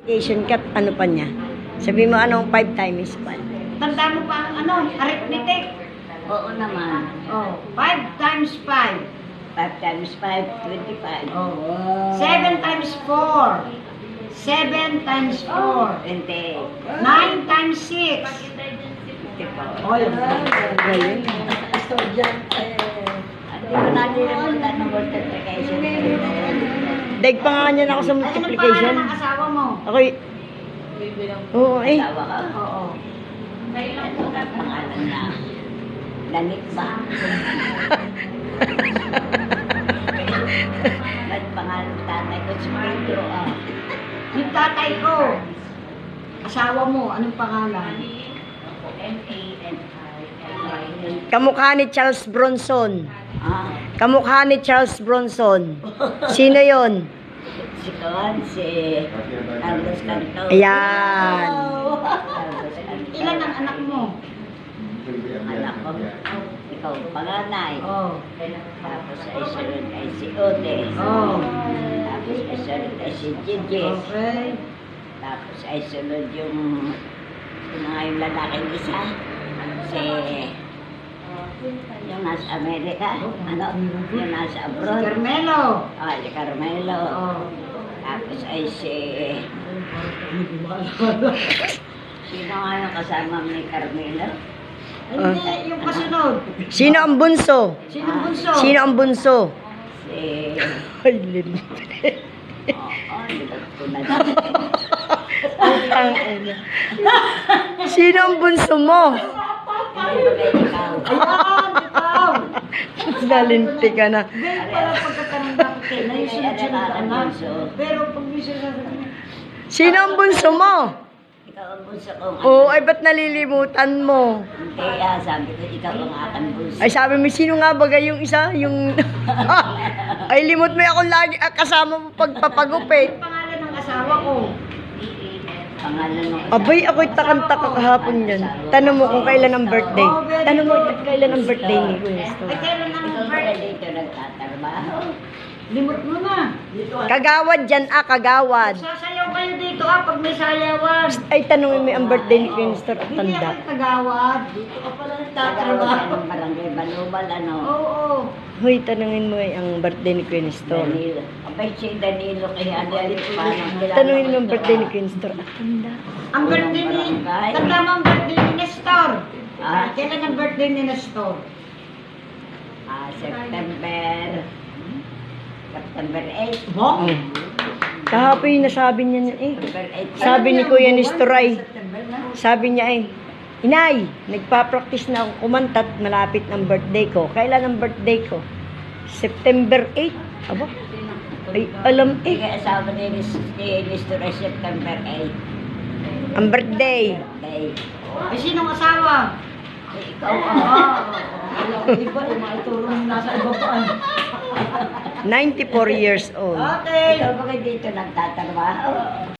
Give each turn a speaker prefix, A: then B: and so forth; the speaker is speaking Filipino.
A: Multiplication kat, ano pa niya? Sabi mo anong 5 times 5?
B: Tanda mo pa ang arithmetic.
C: Oo naman.
B: Oh, 5 times 5.
C: 5 times 5, 25.
B: Oh. 7 times 4. 7 times 4.
C: 28.
B: 9 times 6.
C: 54.
B: Oh, yun.
A: Ngayon.
C: Hindi ko nalilimutan ng multiplication.
A: Daig pa nga niyan ako sa
B: Anong
A: multiplication.
B: pangalan ng asawa mo?
A: Ako'y... Oo eh.
C: Asawa ka?
B: Oo.
C: Ano ka pangalan na? Lanit ba? Ba't pangalan ng tatay ko si Pedro?
B: Yung tatay ko. Asawa mo, anong pangalan?
A: Kamukha ni Charles Bronson.
C: Ah,
A: Kamukha ni Charles Bronson. Sino yon?
C: si Kawan, si Carlos Canto.
A: Ayan.
C: Carlos Canto.
B: Ilan ang anak mo?
C: Ang anak ko, ikaw ang panganay.
B: Oh.
C: Tapos ay sunod ay si Ode.
B: Oh.
C: Tapos ay sunod ay si Gigi.
B: Okay.
C: Tapos ay sunod yung yung lalaking isa. Si yung nasa Amerika. Ano? Yung nasa
B: Si
C: abroad.
B: Carmelo.
C: Ah, si Carmelo.
B: Oh.
C: Tapos ay si... Sino nga yung kasama ni Carmelo?
B: Ay, hindi, yung kasunod.
A: Sino ang bunso?
B: Sino ang bunso?
A: Sino ang bunso?
C: Si...
A: Ay, Lin.
C: Oo, libat ko na
A: Ang ina. Sino ang bunso mo?
C: Hindi ba kayo ikaw?
B: Ayan, ikaw.
A: Nalinti ka na.
B: Ganyan pala pagkatanong dapat kayo na yung sunod-sunod na anak. Pero pag may sinasabi,
A: Sino ang bunso mo?
C: Ikaw ang bunso kong
A: Oo, ay ba't nalilimutan mo?
C: Hindi, sabi ko, ikaw ang aking bunso.
A: Ay sabi mo, sino nga bagay yung isa? Yung... ay limot mo ako lagi kasama mo pagpapagupit.
B: ang pangalan ng asawa ko.
C: Pangalan ng
A: Abay, ako'y takang-taka kahapon yan. Tanong mo kung kailan ang birthday. Tanong mo kailan ang birthday ni Kuya Sto.
B: Ay, kailan ang
C: Ikaw ba
B: birthday?
C: dito nagtatrabaho?
B: Limot mo na.
A: Kagawad dyan kagawad.
B: Sasayaw kayo dito pag may sayawan.
A: Ay, tanongin mo ang birthday ni Kuya Sto at
B: Hindi
A: tanda.
B: ako tagawad. Dito ka pala nagtatrabaho.
C: Tatrabaho. Barangay Balubal, ano?
B: Oo.
A: Hoy, tanongin mo ang birthday ni Kuya Sto.
C: Danilo. Abay, si Danilo kaya Dalit pa.
A: Tanongin mo ang birthday ni Kuya Sto at tanda.
B: Ang birthday ni... Tanda mo ang birthday ni Nestor.
C: Ah,
B: Kailan ang birthday ni Nestor?
C: September 8.
B: Mo?
A: Oh. Kahapon yung nasabi niya niya eh.
C: September 8.
A: Sabi ni Kuya Nestor ay,
B: September na.
A: sabi niya ay, Inay, nagpa-practice na ako kumantat, malapit ng birthday ko. Kailan ang birthday ko? September 8. Aba, ay alam eh.
C: Ikaw asawa ni Nestor ay September 8.
A: Ang birthday.
C: Day.
B: Ay, sinong asawa?
C: Ikaw
B: Iba, maituro mo nasa ibabaan.
A: 94 years old.
B: Okay.
C: Ikaw ba kayo dito nagtatrabaho?